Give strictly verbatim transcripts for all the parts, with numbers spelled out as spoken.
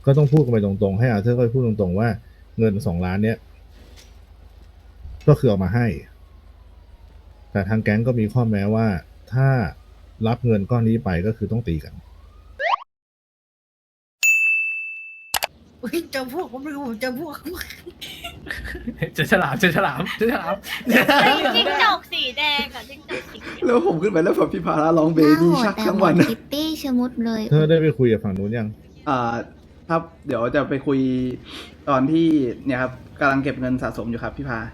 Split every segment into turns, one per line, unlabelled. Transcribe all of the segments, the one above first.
ก็ต้องพูดกันไปตรงๆให้อาเธอร์ก็พูดตรงๆว่าเงินสองล้านเนี้ยก็คือเอามาให้แต่ทางแก๊งก็มีข้อแม้ว่าถ้ารับเงินก้อนนี้ไปก็คือต้องตีกัน
อุ้ยเจอพวกผมไม่รู้ผมเจอพวก
เจอฉลามเจอฉลามเจอฉลาม
ไอ้จิ้งจอกสีแดงกับจิ้งจอกสีเขียว
แล้วผมขึ้นไปแล้วแบบพี่พาราร้องเบบี้ชักทั้งวัน
คิตตี้ชะมุดเลย
เธอได้ไปคุยกับฝั่งนู้นยัง
อ่าครับ เดี๋ยวจะไปคุยตอนที่เนี่ยครับกำลังเก็บเงินสะสมอยู่ครับพี่พาง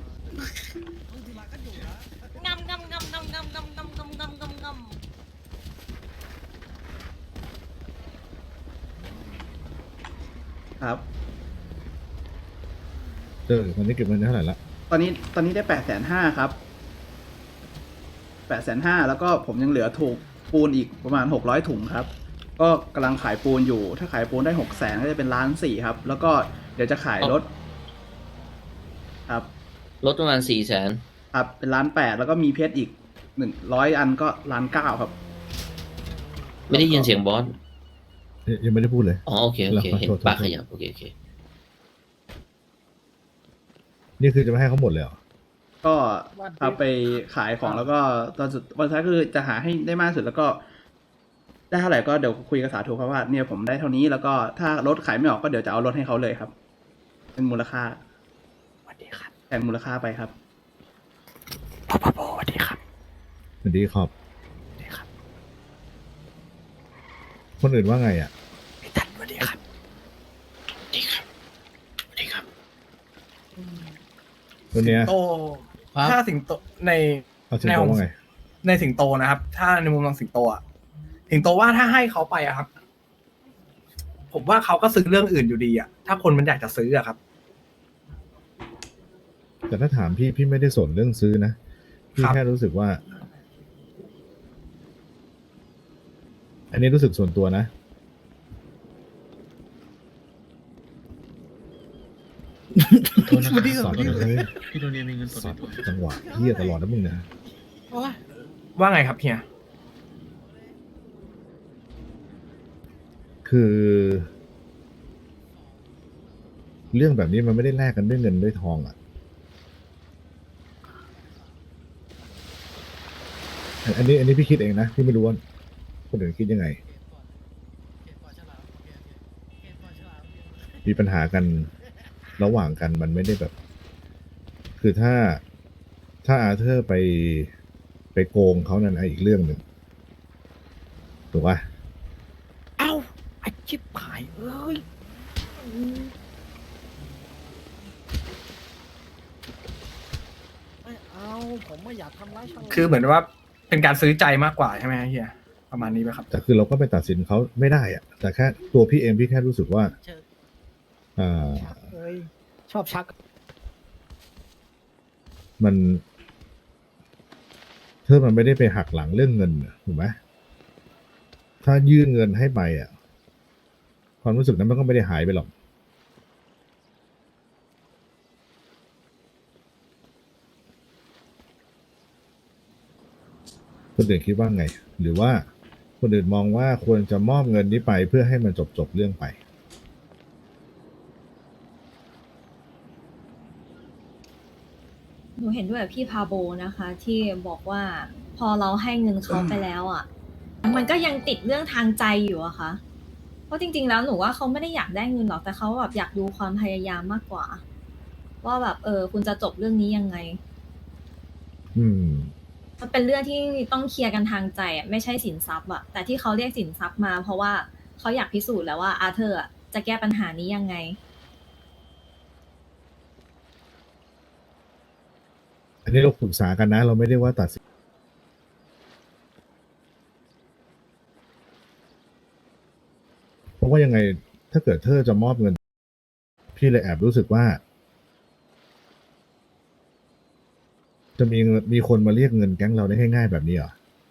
ำงำงำงำงำงำงำงำงำงำงำ
ครับ
เจอตอนนี้เก็บเงินได้เท่าไหร่ละ
ตอนนี้ตอนนี้ได้แปดแสนห้าครับแปดแสนห้าแล้วก็ผมยังเหลือถูกปูนอีกประมาณหกร้อยถุงครับ ก็กำลังขายปูนอยู่ ถ้าขายปูนได้หกแสนก็จะเป็นล้านสี่ครับ แล้วก็เดี๋ยวจะขายรถครับ
ลดประมาณสี่แสน
ครับเป็นล้านแปดแล้วก็มีเพชรอีกหนึ่งร้อยอันก็ล้านเก้าครับ
ไม่ได้ยินเสียงบอส
เอ๊ะยังไม่ได้พูดเลย
อ๋อโอเคโอเค
ขอโทษ
เห็น
ขอโทษ
ปากขยับโอเคโอเค
นี่คือจะไม่ให้เขาหมดเลยเหรอ
ก็เอาไปขายของแล้วก็ตอนสุดวันสุดท้ายคือจะหาให้ได้มากที่สุดแล้วก็ได้เท่าไหร่ก็เดี๋ยวคุยกับสาธุครับว่าเนี่ยผมได้เท่านี้แล้วก็ถ้ารถขายไม่ออกก็เดี๋ยวจะเอารถให้เขาเลยครับ เป็นมูลค่า
สวัสดีครับ
แทนมูลค่าไปครับ
พอพอพอสวัสดีครับ
สวัสดีครับ
สวัสดีครับ
คนอื่นว่าไงอ่ะ
พี่ตันสวัสดีครับสวัสดีครับสวัสดีครับ
ตัวเนี้ย
โตถ้าสิงโตใน
เอาสิงโตว่าไง
ในสิงโตนะครับ ถ้าในมุมมองสิงโตอะสิงโตว่าถ้าให้เขาไปอะครับ ผมว่าเขาก็ซื้อเรื่องอื่นอยู่ดีอะถ้าคนมันอยากจะซื้ออะครับ
แต่ถ้าถามพี่พี่ไม่ได้สนเรื่องซื้อนะ พี่
ครับ
แค่รู้สึกว่า อันนี้รู้สึกส่วนตัวนะ
โทษนะครับ
สอนเลย
พี่โดเนียมีเงินสด
สอ
ใน
น
ตัว
จังหวะเฮียตลอดนะมึงเนี่ย
ว่าไงครับเฮีย
คือ เรื่องแบบนี้มันไม่ได้แลกกันด้วยเงินด้วยทองอ่ะ อันนี้ อันนี้พี่คิดเองนะพี่ไม่รู้ว่าคนอื่นคิดยังไง มีปัญหากันระหว่างกันมันไม่ได้แบบ คือถ้าถ้าอาเธอร์ไปไปโกงเขานั่นอีกเรื่องหนึ่งถูกปะ
เอ้าไอชิบหายเอ้ย
ไม่เอาผมไม่อยากทำร้ายชาว
คือเหมือนว่าเป็นการซื้อใจมากกว่าใช่ไหมเฮียประมาณนี้ไหมครับ
แต่คือเราก็ไปตัดสินเขาไม่ได้อะแต่แค่ตัวพี่เองพี่แค่รู้สึกว่า
เชิญ
อ่า
เอ้ยชอบชัก
มันเธอมันไม่ได้ไปหักหลังเรื่องเงินน่ะถูกไหมถ้ายื่นเงินให้ไปอ่ะ ความรู้สึกนั้นมันก็ไม่ได้หายไปหรอก คนอื่นคิดว่าไง หรือว่าคนอื่นมองว่าควรจะมอบเงินนี้ไปเพื่อให้มันจบจบๆเรื่องไป
หนูเห็นด้วยกับพี่พาโบนะคะ ที่บอกว่าพอเราให้เงินเขาไปแล้วอ่ะ มันก็ยังติดเรื่องทางใจอยู่อะค่ะ เพราะจริงๆแล้วหนูว่าเขาไม่ได้อยากได้เงินหรอกแต่เขาแบบอยากดูความพยายามมากกว่า ว่าแบบเออคุณจะจบเรื่องนี้ยังไง
อืม
มันเป็นเรื่องที่ต้องเคลียร์กันทางใจอะไม่ใช่สินทรัพย์อะแต่ที่เขาเรียกสินทรัพย์มา เพราะว่าเขาอยากพิสูจน์แล้วว่าอาเธอร์อะจะแก้ปัญหานี้ยังไง
อันนี้เราปรึกษากันนะ เราไม่ได้ว่าตัดสินเพราะว่ายังไงถ้าเกิดเธอจะมอบเงิน พี่เลยแอบรู้สึกว่า จะมีเงินมีคนมาเรียกเงินแก๊งเราได้ง่ายๆแบบนี้เหรอ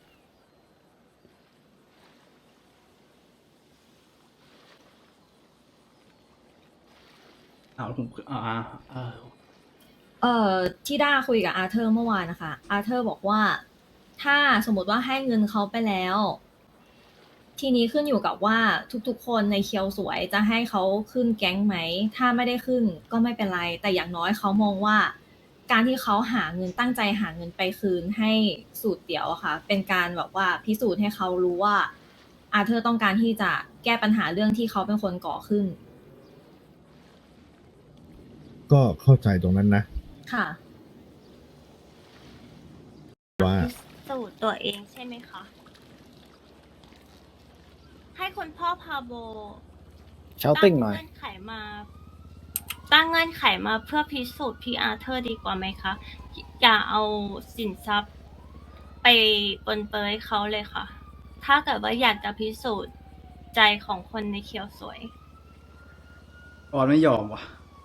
เอาผมอ่าอ่า
เอ่อที่ด้าคุยกับอาเธอร์เมื่อวานนะคะอาเธอร์บอกว่าถ้าสมมติว่าให้เงินเขาไปแล้ว ททีนี้ขึ้นอยู่กับว่าทุกๆ คนในเคียวสวยจะให้เขาขึ้นแก๊งไหม ถ้าไม่ได้ขึ้นก็ไม่เป็นไร แต่อย่างน้อยเขามองว่า การที่เขาหาเงินตั้งใจหาเงินไปคืนให้สูตรเตี๋ยวอะค่ะ เป็นการแบบว่าพิสูจน์ให้เขารู้ว่าอาเธอร์ต้องการที่จะแก้ปัญหาเรื่องที่เขาเป็นคนก่อขึ้น
ก็เข้าใจตรงนั้นนะ
ค่ะ
ว่า
พิสูจน์ตัวเองใช่ไหมคะ ให้คุณพ่อพาโบ
เชาติ้งหน่อย
ตั้เงื่อนไขมา ตั้งเงื่อนไขมาเพื่อพิสูจน์พี่อาร์เธอร์ดีกว่าไหมคะ อย่าเอาสินทรัพย์ไปปนเปื้อนเขาเลยค่ะ ถ้าเกิดว่าอยากจะพิสูจน์ใจของคนในเคียวสวย
บอสไม่ยอมว่ะ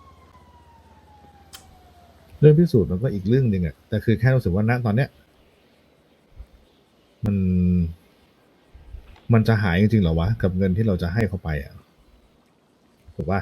เรื่องพิสูจน์มันก็อีกเรื่องหนึ่งอะแต่คือแค่รู้สึกว่าณตอนเนี้ย มัน มันจะหายจริงๆเหรอวะ กับเงินที่เราจะให้เขาไปอะถูกป่ะ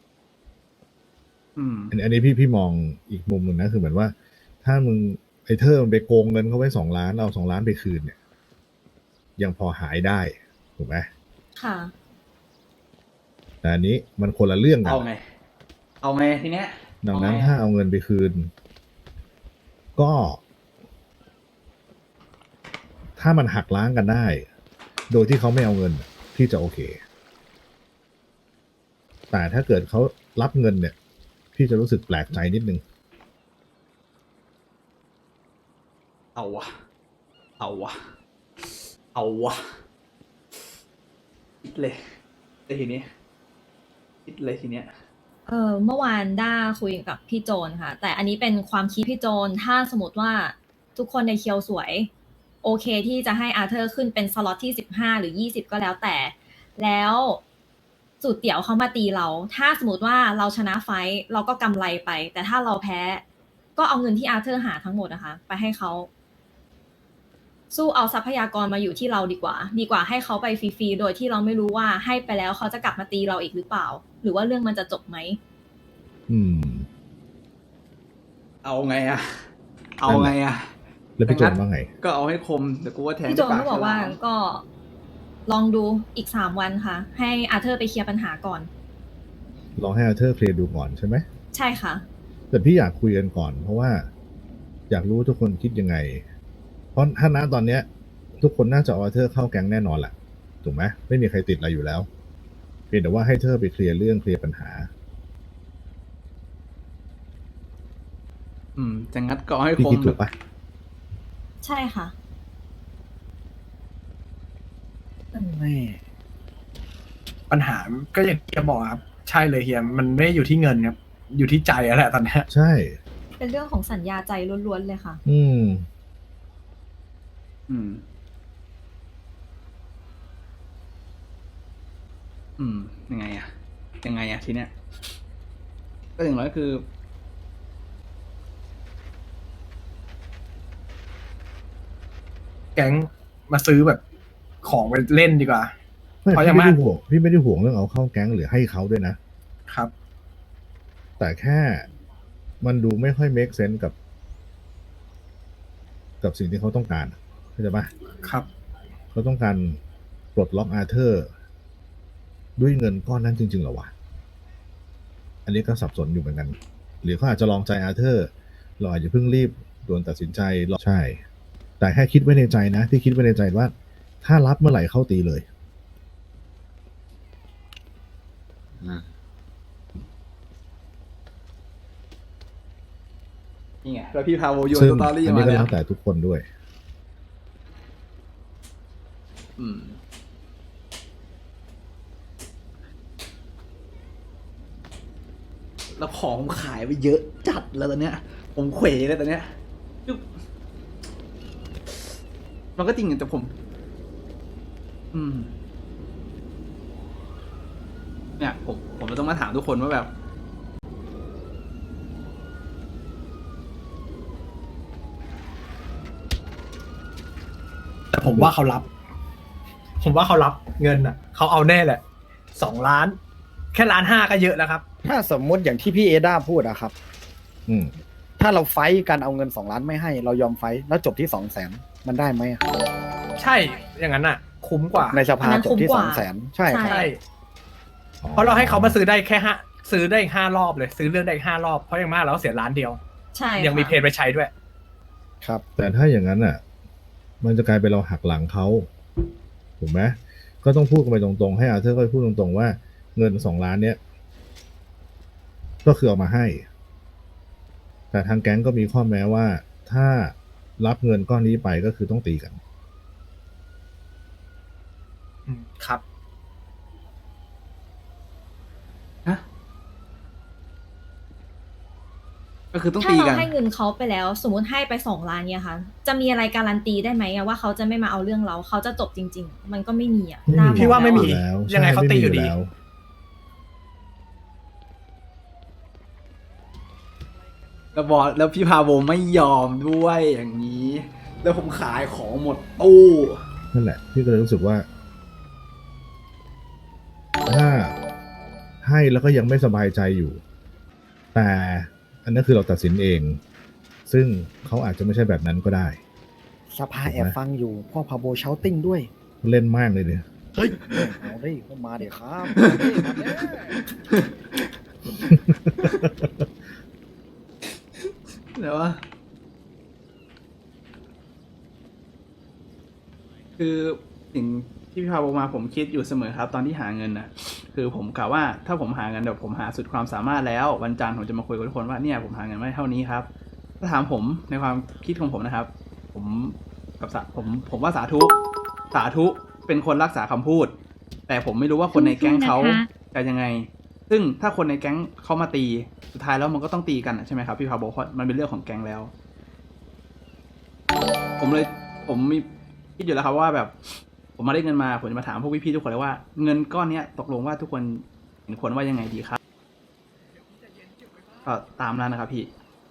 อืม
อันอันนี้พี่พี่มองอีกมุมหนึ่งนะคือเหมือนว่า ถ้ามึงไอ้เธอมันไปโกงเงินเขาไว้สองล้านเอาสองล้านไปคืนเนี่ย ยังพอหายได้ถูกไหม
ค่ะ
แต่อันนี้มันคนละเรื่องกัน
เอาไง เอาไงทีเนี้ย
ดังนั้น
เอไง
ถ้าเอาเงินไปคืน ก็ ถ้ามันหักล้างกันได้ โดยที่เขาไม่เอาเงินพี่จะโอเค แต่ถ้าเกิดเขารับเงินเนี่ย พี่จะรู้สึกแปลกใจนิดนึง
เอาวะ เอาวะ เอาวะคิดเลยแต่ทีนี้คิดเลยทีเนี้ย
เออเมื่อวานด้าคุยกับพี่โจนค่ะ แต่อันนี้เป็นความคิดพี่โจน ถ้าสมมติว่าทุกคนในเคียวสวย โอเคที่จะให้อาเธอร์ขึ้นเป็นสล็อตที่สิบห้าหรือยี่สิบก็แล้วแต่ แล้วสูตรเตี๋ยวเขามาตีเรา ถ้าสมมติว่าเราชนะไฟท์เราก็กำไรไป แต่ถ้าเราแพ้ ก็เอาเงินที่อาเธอร์หาทั้งหมดนะคะ ไปให้เขา สู้เอาทรัพยากรมาอยู่ที่เราดีกว่า ดีกว่าให้เขาไปฟรีๆโดยที่เราไม่รู้ว่าให้ไปแล้วเขาจะกลับมาตีเราอีกหรือเปล่า หรือว่าเรื่องมันจะจบไหม
อืม
เอาไงอะเอาไงอะ
แล้วพี่โจนว่าไง
ก็เอาให้คมเดี๋ยวกูว่าแทง
พี่โจน
ด้วย
ก็บอกว่า
ฉลม
ก็ลองดูอีกสามวันค่ะ ให้อาเธอร์ไปเคลียร์ปัญหาก่อน
ลองให้อาเธอร์เคลียร์ดูก่อนใช่ไหม
ใช่ค่ะ
แต่พี่อยากคุยกันก่อน เพราะว่า อยากรู้ว่าทุกคนคิดยังไง เพราะถ้าณตอนเนี้ย ทุกคนน่าจะเอาอาเธอร์เข้าแก๊งแน่นอนแหละถูกไหมไม่มีใครติดอะไรอยู่แล้วเพียงแต่ว่าให้เธอไปเคลียร์เรื่องเคลียร์ปัญหา
อืมจะงัดก็เอาให้
พี่
ค
คิ
ม
ดถูกปะ
ใช่ค่ะ
แม่
ปัญหาก็อย่างที่จะบอกครับ ใช่เลยเฮียมันไม่ได้อยู่ที่เงินครับ อยู่ที่ใจแล้วแหละตอนเนี้ย
ใช่
เป็นเรื่องของสัญญาใจล้วนๆเลยค่ะ
อืม
อืม อืม ยังไงอะยังไงอะทีเนี้ย ก็อย่างน้อยคือ
แก๊งมาซื้อแบบของไปเล่นดีกว่า
ไม่
เพราะ
พี่
ยัง
ไม่
ไม่
ได้ห่วงพี่ไม่ได้ห่วงเรื่องเอาเข้าแก๊งหรือให้เขาด้วยนะ
ครับ
แต่แค่มันดูไม่ค่อย make sense กับ กับสิ่งที่เขาต้องการเข้าใจปะ
ครับ
เขาต้องการปลดล็อกอาเธอร์ ด้วยเงินก้อนนั้นจริงๆเหรอวะ อันนี้ก็สับสนอยู่เหมือนกัน หรือเขาอาจจะลองใจอาเธอร์ เราอาจจะเพิ่งรีบด่วนตัดสินใจรอใช่ แต่แค่คิดไว้ในใจนะ ที่คิดไว้ในใจว่า ถ้ารับเมื่อไหร่เข้าตีเลย
อ่า
นี่ไง แล้วพี่พาโวโยน
ซึ่ง
สตอรี่
อัน
มา
นี้ก็
เลย
แล้ว
อะ
แต่ทุกคนด้วย
อืม แล้วของผมขายไปเยอะจัดแล้วตอนเนี้ย ผมเขวเลยตอนเนี้ยคือมันก็จริงแต่ผม อืม เนี่ย ผม ผมจะต้องมาถามทุกคนว่าแบบ
แต่ผมว่าเขารับ ผมว่าเขารับเงินอ่ะเขาเอาแน่แหละสองล้าน แค่ล้านห้าก็เยอะแล้วครับ
ถ้าสมมุติอย่างที่พี่เอด้าพูดอะครับ
อืม
ถ้าเราไฟท์กันเอาเงินสองล้านไม่ให้เรายอมไฟท์แล้วจบที่สองแสนมันได้ไหมอะ
ใช่อย่างนั้นอ่ะ คุ้มกว่า
ในส
อั
ภาน
นั้น
จบ
คุ้ม
ที่
ก
ส
ว่า
องแสนใช่ครับ
ใช่ เพราะเราให้เขามาซื้อได้แค่ห้าซื้อได้อีกห้ารอบเลย ซื้อเรื่องได้อีกห้ารอบเพราะอย่างมากเราเสียล้านเดียว
ใช่
ยังมี
ค่ะ
เพจไปใช้ด้วย
ครับ
แต่ถ้าอย่างนั้นอ่ะ มันจะกลายเป็นเราหักหลังเขาถูกไหมก็ต้องพูดกันไปตรงๆให้อาเธอร์ก็พูดตรงๆว่าเงินสองล้านเนี้ยก็คือเอามาให้ แต่ทางแก๊งก็มีข้อแม้ว่าถ้ารับเงินก้อนนี้ไปก็คือต้องตีกัน
อืมครับ
ฮะก็คือต้อง
ถ้า
ตี
เรา
กัน
ให้เงินเขาไปแล้ว สมมติให้ไปสองล้านเนี่ยค่ะ จะมีอะไรการันตีได้ไหมอะว่าเขาจะไม่มาเอาเรื่องเราเขาจะจบจริง ๆ มันก็ไม่มีอะ
ไม่มี
น่บอก
พี่ว่าไม่มี
แล้วอะ
แล้ว
ยังไงเขาตีอยู่ดี
ใช่ไม่มีแล้ว
แล้วบอสแล้วพี่พาโบไม่ยอมด้วยอย่างนี้ แล้วผมขายของหมดตู้
นั่นแหละพี่ก็เลยรู้สึกว่า ถ้าให้แล้วก็ยังไม่สบายใจอยู่ แต่อันนั้นคือเราตัดสินเอง ซึ่งเขาอาจจะไม่ใช่แบบนั้นก็ได้
สภาแอบฟังอยู่พ่อพาโบเชาติ้งด้วย
เล่นมากเลยเนี่ย
เฮ้ยเอาดิเข้ามาเดี๋ยวครับเอาดิมาเด้อ
เดี๋ยวว่าคือสิ่งที่พี่พาโบมาผมคิดอยู่เสมอครับ ตอนที่หาเงินนะคือผมกะว่าถ้าผมหาเงินเดี๋ยวผมหาสุดความสามารถแล้ว วันจันทร์ผมจะมาคุยกับทุกคนว่าเนี่ยผมหาเงินมาได้เท่านี้ครับถ้าถามผมในความคิดของผมนะครับ ผมกับสาผมผมว่าสาธุสาธุเป็นคนรักษาคำพูด แต่ผมไม่รู้ว่าคนในแก๊งเขาจะยังไง ซึ่งถ้าคนในแก๊งเขามาตีสุดท้ายแล้วมันก็ต้องตีกันอะใช่ไหมครับพี่พาโบเพราะมันเป็นเรื่องของแก๊งแล้ว ผมเลยผมมีคิดอยู่แล้วครับว่าแบบ ผมมาได้เงินมาผมจะมาถามพวกพี่ๆทุกคนเลยว่าเงินก้อนเนี้ยตกลงว่าทุกคนเห็นควรว่ายังไงดีครับก็ตามนั้นนะครับพี่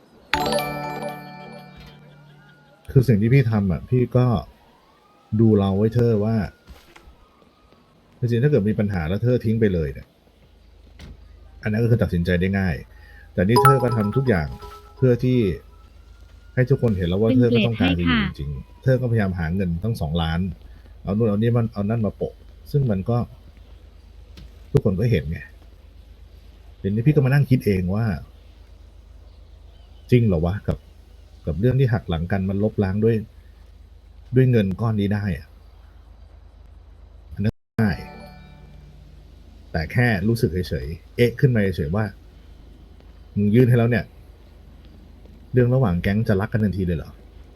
คือสิ่งที่พี่ทำอ่ะ พี่ก็ดูเราไว้เธอว่าจริงๆถ้าเกิดมีปัญหาแล้วเธอทิ้งไปเลยเนี่ย อันนั้นก็คือตัดสินใจได้ง่าย แต่นี่เธอก็ทำทุกอย่างเพื่อที่ให้ทุกคนเห็นแล้วว่าเธอก็ต้องการดีจริงๆเธอก็พยายามหาเงินตั้งสองล้าน เอานู่นเอานี่มันเอานั่นมาโปะ ซึ่งมันก็ ทุกคนก็เห็นไงเดี๋ยวนี้พี่ก็มานั่งคิดเองว่า จริงเหรอวะกับ กับเรื่องที่หักหลังกันมันลบล้างด้วย ด้วยเงินก้อนนี้ได้อะอันนั้นง่าย แต่แค่รู้สึกเฉยๆ เอ๊ะขึ้นมาเฉยๆว่า มึงยื่นให้แล้วเนี่ย เรื่องระหว่างแก๊งจะรักกันทันทีเลยเหรอ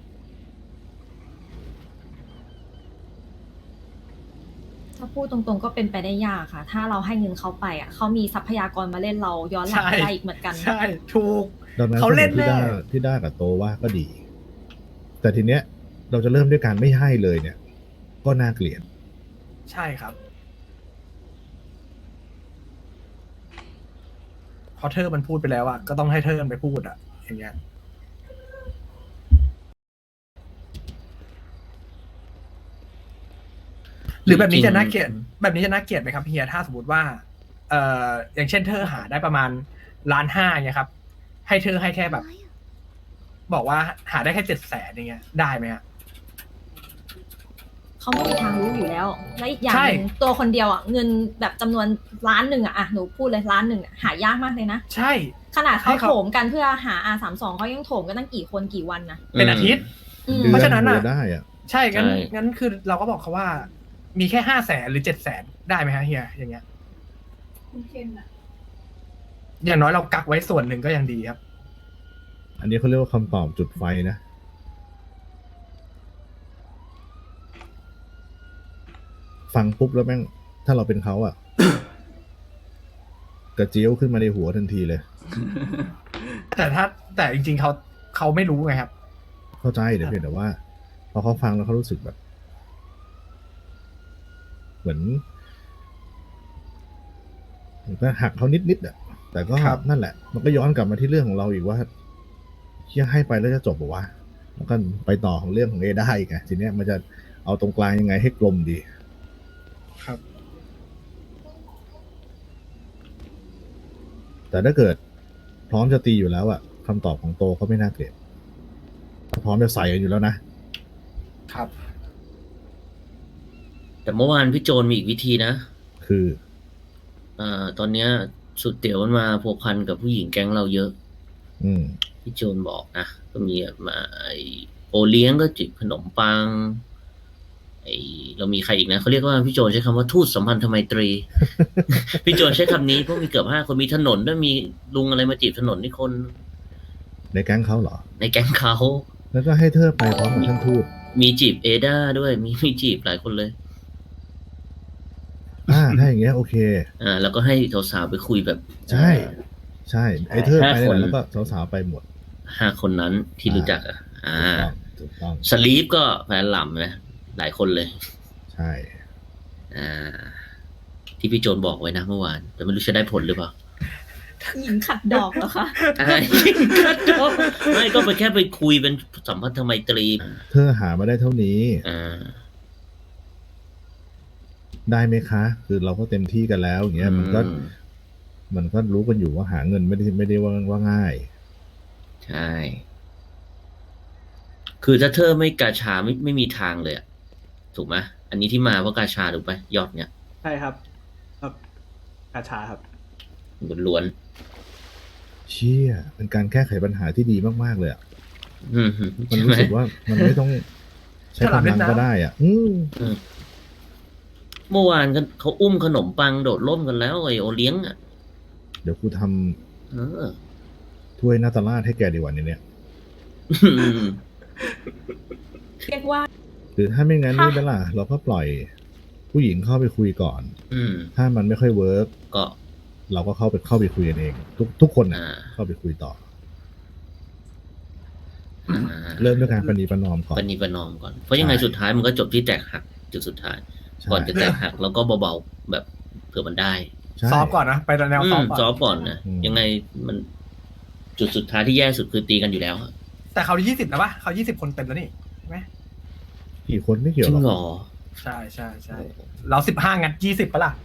ถ้าพูดตรงๆก็เป็นไปได้ยากค่ะ ถ้าเราให้เงินเขาไปอ่ะเขามีทรัพยากรมาเล่นเราย้อนหลัง
ใช่
ได้อีกเหมือนกัน
ใช่ ถูก
ดังนั้น
เขาเล่น
ที่
แน่
ด้าที่ด้ากับโตว่าก็ดี แต่ทีเนี้ย เราจะเริ่มด้วยการไม่ให้เลยเนี่ย ก็น่าเกลียด
ใช่ครับเพราะเธอมันพูดไปแล้วอะก็ต้องให้เธอมันไปพูดอะอย่างเงี้ย หรือแบบนี้จะน่าเกลียดแบบนี้จะน่าเกลียดไหมครับเฮียถ้าสมมติว่า เอ่ออย่างเช่นเธอหาได้ประมาณล้านห้าเนี่ยครับ ให้เธอให้แค่แบบ บอกว่าหาได้แค่เจ็ดแสนอย่างเงี้ยได้ไหมฮะ
เขาไม่มีทางรู้อยู่แล้ว และอีกอย่าง
ใช่
หนึ่งตัวคนเดียวอ่ะเงินแบบจำนวนล้านหนึ่งอ่ะอ่ะหนูพูดเลยล้านหนึ่งอ่ะหายากมากเลยนะ
ใช่
ขนาดเขา
ให้เขา
โถมกันเพื่อหา อาร์ สามสิบสอง เขายังโถมกันตั้งกี่คนกี่วันนะ
เป็นอาทิตย์
อืม
ดือ
เพราะฉะนั้นน่ะ
ดืได้อะ
ใช่งั้น
ใช่
งั้นคือเราก็บอกเขาว่า มีแค่ห้าแสนหรือเจ็ดแสนได้ไหมฮะเฮียอย่างเงี้ยอย่างน้อยเรากักไว้ส่วนหนึ่งก็ยังดีครับ
อันนี้เขาเรียกว่าคำตอบจุดไฟนะ ฟังปุ๊บแล้วแม่ง ถ้าเราเป็นเขาอะ กระเจียวขึ้นมาในหัวทันทีเลย
แต่ถ้าแต่จริงๆเขาเขาไม่รู้ไงครับ
เข้าใจแต่เพียงแต่ว่า พอเขาฟังแล้วเขารู้สึกแบบ เหมือนเหมือนก็หักเขานิดๆอะแต่ก็
ครับ
นั่นแหละ มันก็ย้อนกลับมาที่เรื่องของเราอีกว่าเชี่ยให้ไปแล้วจะจบปะวะแล้วก็ไปต่อของเรื่องของเอได้อีกไงทีเนี้ยมันจะเอาตรงกลางยังไงให้กลมดี
ครับ
แต่ถ้าเกิดพร้อมจะตีอยู่แล้วอะคำตอบของโตก็ไม่น่าเกลียดพร้อมจะใส่กันอยู่แล้วนะ
ครับ
แต่เมื่อวานพี่โจนมีอีกวิธีนะ
คือ
อ่าตอนเนี้ยสุดเตี๋ยวมันมาพัวพันกับผู้หญิงแก๊งเราเยอะ
อืม
พี่โจนบอกนะก็มีมาไอโอเลี้ยงก็จิบขนมปังไอเรามีใครอีกนะเขาเรียกว่าพี่โจนใช้คำว่าทูตสัมพันธไมตรี พี่โจนใช้คำนี้เพราะมีเกือบห้าคนมีถนนด้วยมีลุงอะไรมาจีบถนนนี่คน
ในแก๊งเขาเหรอ
ในแก๊งเขา
แล้วก็ให้เธอไปพร้อมกับท่านทูต
มีจีบเอด้าด้วยมีมีจีบหลายคนเลย
อ่าถ้าอย่างเงี้ยโอเค
อ่าแล้วก็ให้สาวๆไปคุยแบบ
ใช่ ใช่ไอ้เธอไป
ห้า
ไห
คน
นแล้วก็สาวๆไปหมด
ห้าคนนั้นที่รู้จักอ่ะ อ่า
ถูกต้อง
สลีปก็แฟนหล่ำนะหลายคนเลย
ใช่
อ่า ที่พี่โจนบอกไว้นะเมื่อวาน แต่ไม่รู้จะได้ผลหรือเปล่า
หญิงขัดดอกเหรอคะ
อะไร ไม่ก็ไปแค่ไปคุยเป็นสัมพันธไมตรี
เธอหามาได้เท่านี้
อ่า
ได้ไหมคะ คือเราก็เต็มที่กันแล้วอย่างเงี้ยมันก็
อืม
มันก็รู้กันอยู่ว่าหาเงินไม่ได้ไม่ได้ว่าว่าง่าย
ใช่ คือถ้าเธอไม่กาชาไม่ไม่มีทางเลยอะถูกไหมอันนี้ที่มาเพราะกาชาถูกไหมยอดเนี่ย
ใช่ครับครับกาชาครับ
ล้วน
เชี่ยเป็นการแก้ไขปัญหาที่ดีมากๆเลยอ่ะ
ๆอืม
มัน
ใช่ไห
รู้
ม
สึกว่ามันไม่ต้องใช้
ฉลาด
กำ
เล่
ลั
น
ง
น้ำ
ก็ได้อ่ะ อืม
เมื่อวานกันเขาอุ้มขนมปังโดดร่มกันแล้วไอโอเลี้ยงอ่ะ
เดี๋ยวกูทำ
เออ
ถ้วยนาตาลาดให้แกดีกว่านี้เนี่ย
อืม
เรียกว่า
หรือถ้าไม่งั้นนี่เปล่าเราก็ปล่อยผู้หญิงเข้าไปคุยก่อน
อืม
ถ้ามันไม่ค่อยเวิร์ก
ก็
เราก็เข้าไปเข้าไปคุยกันเอง ทุกทุกคนนะ
อ่า
เข้าไปคุยต่อ
อ่า
เริ่มด้วยการประนีประนอมก่อน
ปณีประนอมก่อน เพราะยังไง
ใช่
สุดท้ายมันก็จบที่แตกหักจุดสุดท้าย
ใช่
ก่อนจะแตกหักแล้วก็เบาๆแบบเผื่อมันได้
ใช่
ซ้อมก่อนนะ ไปแนว
อื
ซ้อ
ม
มก่อน
ซอฟต์ก่อนนะ
อืม
ยังไงมันจุดสุดท้ายที่แย่สุดคือตีกันอยู่แล้วอะ
แต่เขายี่สิบแล้วปะเขายี่สิบคนเต็มแล้วนี่ใช่ไหม
กี่คนไม่เกี่ยว
จริ
ห
งเห
ร
ร
อก
อ
ใช่ใช่ใช่เราสิบห้างัดยี่สิบปะล่ะ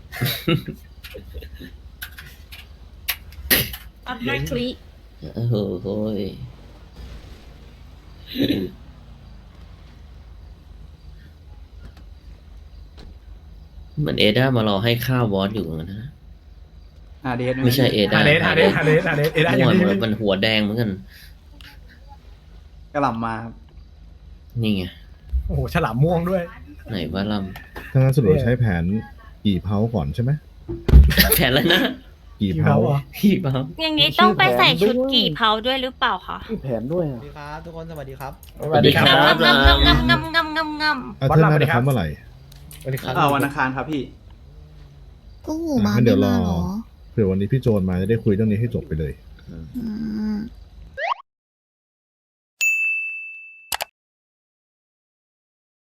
อัพแม่คลิ
เออโอ้ยเหมือนเอด้ามารอให้ข้าววอสอยู่เหมือนกันนะ
อาเดส
ไม่ใช่เอด้า
ฮาเดสฮาเดสฮาเดสฮาเดสเอด้าอยู่
เมื่อวาน
นี่
มันหัวแดงเหมือนกัน
กระหล่ำมาครับ
นี่ไง
โอ้โหฉลามม่วงด้วย
ไหนว่าล
ถ้างั้นสรุปใช้แผนกี่เผาก่อนใช่ไหม
ำแผนอะไรนะ
กี่
กี่
เผา
เผาอ่ะ
พี่เปล่า
อย่างนี้ต้องไปใส่ชุดกี่เผาด้วยหรือเปล่าคะ
มีแผนด้วย
สวัสดีครับ ทุกคนสวัสดีครับ
สวัสดีครับ
งำงำงำงำงำงำงำ
เอาเธอน่าจะทำเมื่อไหร่
สวัสดีครับ
เออวันอังคารครับพี่
ก็หูมา
งั้นเดี๋
ไม่
ยวรอ
มาเหรอ
เผื่อวันนี้พี่โจนมาจะได้คุยเรื่องนี้ให้จบไปเลย
อืม